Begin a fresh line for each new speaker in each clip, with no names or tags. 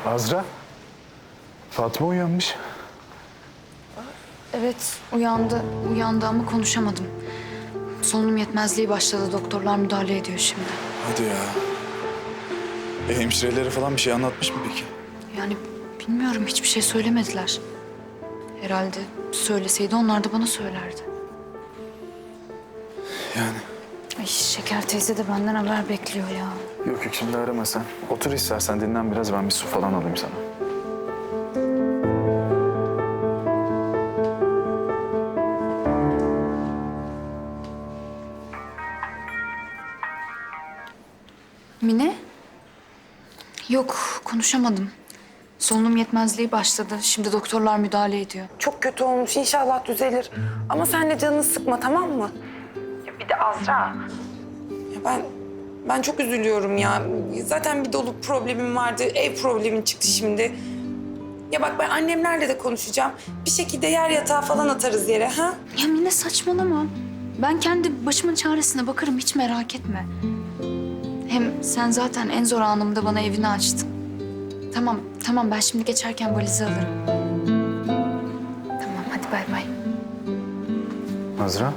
Azra, Fatma uyanmış.
Evet, uyandı ama konuşamadım. Solunum yetmezliği başladı. Doktorlar müdahale ediyor şimdi.
Hadi ya. Hemşirelere falan bir şey anlatmış mı peki?
Yani bilmiyorum, hiçbir şey söylemediler. Herhalde söyleseydi onlar da bana söylerdi.
Yani.
Ay, Şeker teyze de benden haber bekliyor ya.
Yok şimdi arama sen. Otur istersen dinlen biraz, ben bir su falan alayım sana.
Mine? Yok, konuşamadım. Solunum yetmezliği başladı. Şimdi doktorlar müdahale ediyor.
Çok kötü olmuş. İnşallah düzelir. Ama sen de canını sıkma, tamam mı? Ya bir de Azra. Ya ben çok üzülüyorum ya. Zaten bir dolu problemim vardı. Ev problemin çıktı şimdi. Ya bak, ben annemlerle de konuşacağım. Bir şekilde yer yatağı falan atarız yere, ha?
Ya Mine, saçmalama. Ben kendi başımın çaresine bakarım, hiç merak etme. Hem sen zaten en zor anımda bana evini açtın. Tamam, ben şimdi geçerken valizi alırım. Tamam, hadi bay bay.
Azra.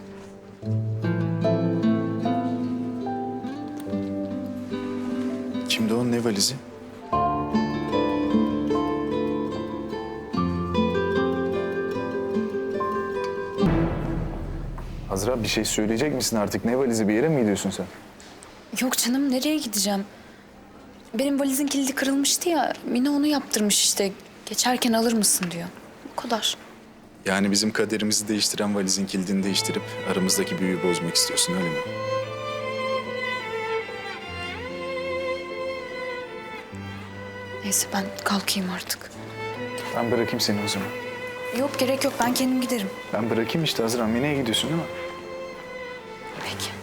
Kimdi o, ne valizi? Azra, bir şey söyleyecek misin artık? Ne valizi, bir yere mi gidiyorsun sen?
Yok canım, nereye gideceğim? Benim valizin kilidi kırılmıştı ya. Mine onu yaptırmış işte. Geçerken alır mısın diyor. Bu kadar.
Yani bizim kaderimizi değiştiren valizin kilidini değiştirip aramızdaki büyüyü bozmak istiyorsun, öyle mi?
Neyse, ben kalkayım artık.
Ben bırakayım seni o zaman.
Yok, gerek yok, ben kendim giderim.
Ben bırakayım işte Azra. Mine'ye gidiyorsun değil mi?
Peki.